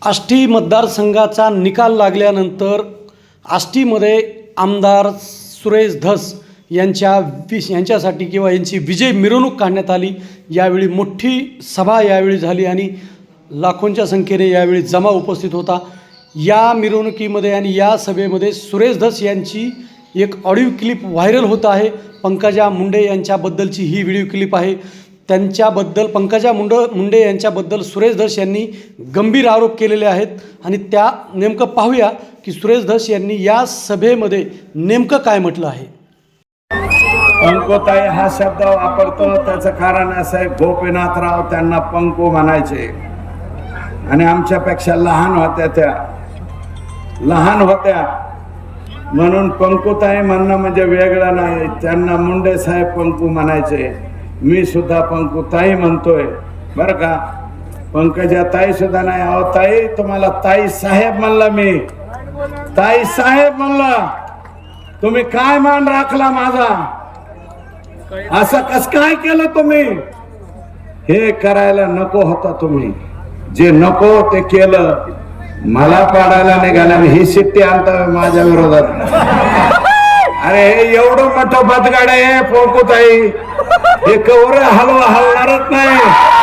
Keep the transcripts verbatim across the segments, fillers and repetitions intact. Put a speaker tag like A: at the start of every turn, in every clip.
A: आष्टी मतदारसंघाचा निकाल लागल्यानंतर आष्टीमध्ये आमदार सुरेश धस यांच्या विश यांच्यासाठी किंवा यांची विजय मिरवणूक काढण्यात आली। यावेळी मोठी सभा यावेळी झाली आणि लाखोंच्या संख्येने यावेळी जमा उपस्थित होता। या मिरवणुकीमध्ये आणि या सभेमध्ये सुरेश धस यांची एक ऑडिओ क्लिप व्हायरल होत आहे। पंकजा मुंडे यांच्याबद्दलची ही व्हिडिओ क्लिप आहे। त्यांच्याबद्दल पंकजा मुंड मुंडे यांच्याबद्दल सुरेश धस यांनी गंभीर आरोप केलेले आहेत आणि त्या नेमकं पाहूया की सुरेश धस यांनी या सभेमध्ये नेमकं काय म्हटलं आहे।
B: पंकुताई हा शब्द वापरतो त्याचं कारण असं आहे, गोपीनाथराव त्यांना पंकू म्हणायचे आणि आमच्यापेक्षा लहान होत्या, त्या लहान होत्या म्हणून पंकुताई म्हणणं म्हणजे वेगळं नाही। त्यांना मुंडे साहेब पंकू म्हणायचे, मी सुद्धा पंकुताई म्हणतोय बरं का। पंकजा ताई सुद्धा नाही, अहो ताई तुम्हाला ताई साहेब म्हणला, मी ताई साहेब म्हणला, तुम्ही काय मान राखला माझा, असं कस काय केलं तुम्ही? हे करायला नको होता तुम्ही, जे नको ते केलं। मला पाडायला निघाला ही शिट्टी आणता माझ्या विरोधात। अरे एवढं मोठं बदगाड आहे पंकुताई, हे कवर हलवा हलणारच नाही,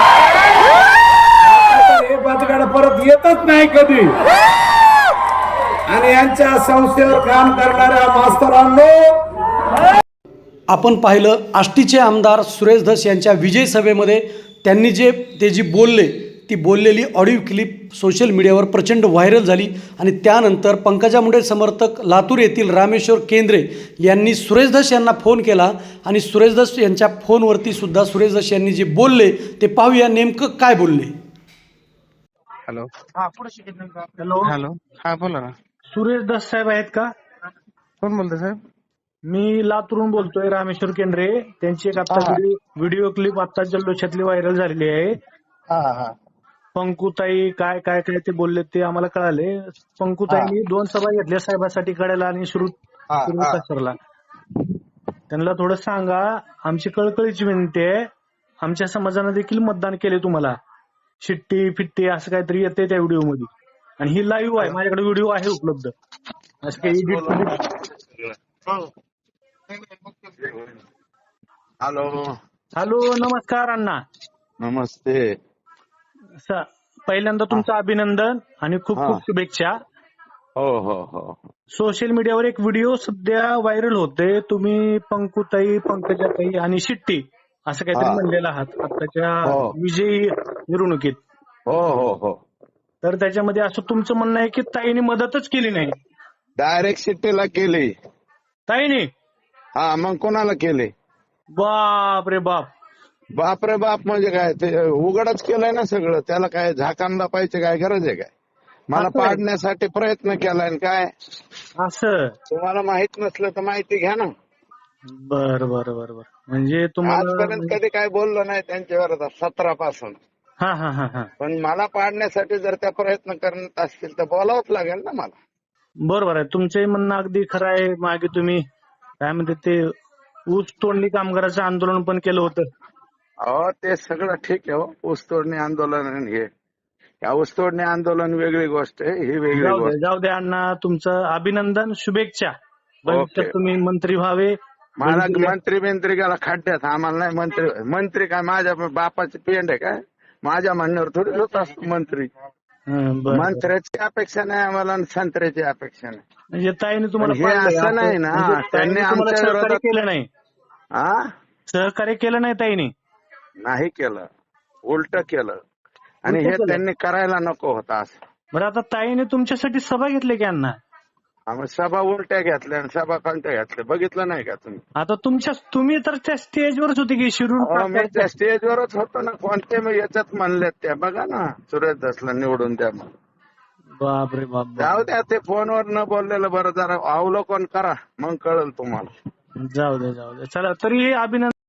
B: हे बदगाड परत येतच नाही कधी। आणि यांच्या संस्थेवर काम करणाऱ्या मास्तरांनो,
A: आपण पाहिलं आष्टीचे आमदार सुरेश धस यांच्या विजय सभेमध्ये त्यांनी जे ते जी बोलले ती बोललेली ऑडिओ क्लिप सोशल मीडियावर प्रचंड व्हायरल झाली आणि त्यानंतर पंकजा मुंडे समर्थक लातूर येथील रामेश्वर केंद्रे यांनी सुरेश धस यांना फोन केला आणि सुरेश धस यांच्या फोनवरती सुद्धा सुरेश धस यांनी जे बोलले ते पाहूया नेमकं काय बोलले।
C: हॅलो
D: हॅलो
C: हॅलो हा बोला ना।
D: सुरेश धस साहेब आहेत का?
C: कोण बोलतोय साहेब?
D: मी लातूरून बोलतोय, रामेश्वर केंद्रे। त्यांची एक आता व्हिडिओ क्लिप आता जल्लोषातली व्हायरल झालेली आहे।
C: हा हा
D: पंकुताई काय काय काय ते बोलले ते आम्हाला कळाले। पंकुताईंनी दोन सभा घेतल्या साहेबासाठी कळायला आणि श्रुत सरला। त्यांना थोडं सांगा, आमची कळकळीची विनंती आहे, आमच्या समाजाने देखील मतदान केले तुम्हाला, शिट्टी फिट्टी असं काहीतरी येते त्या व्हिडिओ मध्ये आणि ही लाईव्ह आहे, माझ्याकडे व्हिडिओ आहे उपलब्ध, असं काही एडिट।
B: हॅलो
D: हॅलो नमस्कार अण्णा।
B: नमस्ते।
D: स- पहिल्यांदा तुमचं अभिनंदन आणि खूप
B: हा.
D: खूप शुभेच्छा।
B: हो हो हो
D: सोशल मीडियावर एक व्हिडिओ सध्या व्हायरल होते, तुम्ही पंकुताई पंकजाताई आणि शिट्टी असं काहीतरी
B: हा.
D: म्हणलेलं आहात आताच्या
B: हो.
D: विजयी मिरवणुकीत।
B: हो हो हो
D: तर त्याच्यामध्ये असं तुमचं म्हणणं आहे की ताईने मदतच केली नाही?
B: डायरेक्ट शिट्टीला केली।
D: ताईने?
B: हा मग कोणाला केली?
D: बाप रे बाप।
B: बाप रे बाप म्हणजे काय, ते उघडच केलंय ना सगळं, त्याला काय झाकांना पाहिजे काय गरज आहे काय? मला
D: असं आहे.
B: पाडण्यासाठी प्रयत्न केलाय काय?
D: असं
B: तुम्हाला माहित नसलं तर माहिती घ्या ना।
D: बर बर बर बर म्हणजे तुम्हाला
B: आजपर्यंत कधी काय बोललो नाही त्यांच्यावर सतरा पासून,
D: हा हा हा हा
B: पण मला पाडण्यासाठी जर त्या प्रयत्न करत असतील तर बोलावंच लागेल ना मला।
D: बरोबर आहे, तुमचे म्हणणं अगदी खरं आहे। मागे तुम्ही काय म्हणते ते ऊस तोडणी कामगाराचं आंदोलन पण केलं होतं।
B: अहो ते सगळं ठीक आहे हो, ऊसतोडणी आंदोलन आणि हे, या ऊसतोडणी आंदोलन वेगळी गोष्ट आहे, ही वेगळी
D: जाऊ दे
B: गोष्ट।
D: जाऊ दे अण्णा, तुमचं अभिनंदन, शुभेच्छा।
B: ओके.
D: भविष्यात तुम्ही मंत्री व्हावे।
B: मला
D: भविष्यात-
B: मंत्री बिंत्री गेला खड्ड्यात, आम्हाला नाही मंत्री। मंत्री काय माझ्या बापाची पेंड आहे काय? माझ्या म्हणण्यावर थोडी होत असतो मंत्री।
D: हं, बरं.
B: मंत्र्याची अपेक्षा नाही आम्हाला आणि संत्र्याची अपेक्षा नाही।
D: म्हणजे ताईने तुम्हाला
B: हे
D: पाडलंय
B: असं
D: असं?
B: नाही ना,
D: म्हणजे ताईने
B: त्यांनी
D: तुम्हाला
B: आमच्या
D: सहकार्य
B: विरोधात-
D: केलं नाही?
B: हा
D: सहकार्य केलं नाही ताईने?
B: नाही केलं, उलट केलं आणि
D: उलटं
B: हे
D: केलं?
B: त्यांनी करायला नको होतं असं।
D: बरं आता ताईने तुमच्यासाठी सभा घेतली की अण्णा?
B: आम्ही सभा उलट्या घेतल्या आणि सभा कोणत्या घेतल्या बघितलं नाही का तुम्ही?
D: आता तुमच्या तुम्ही तर त्या स्टेजवरच होते की शिरूर
B: अहो, मी त्या स्टेजवरच होतो ना, कोणते मी याच्यात म्हणलेत त्या बघा ना, सुरेश धसला निवडून द्या मग।
D: बाप रे बाप बाप.
B: जाऊ द्या, ते फोनवर न बोललेलं बरं, जरा अवलोकन करा मग कळेल तुम्हाला।
D: जाऊ दे जाऊ दे, चला तरी अभिनंदन।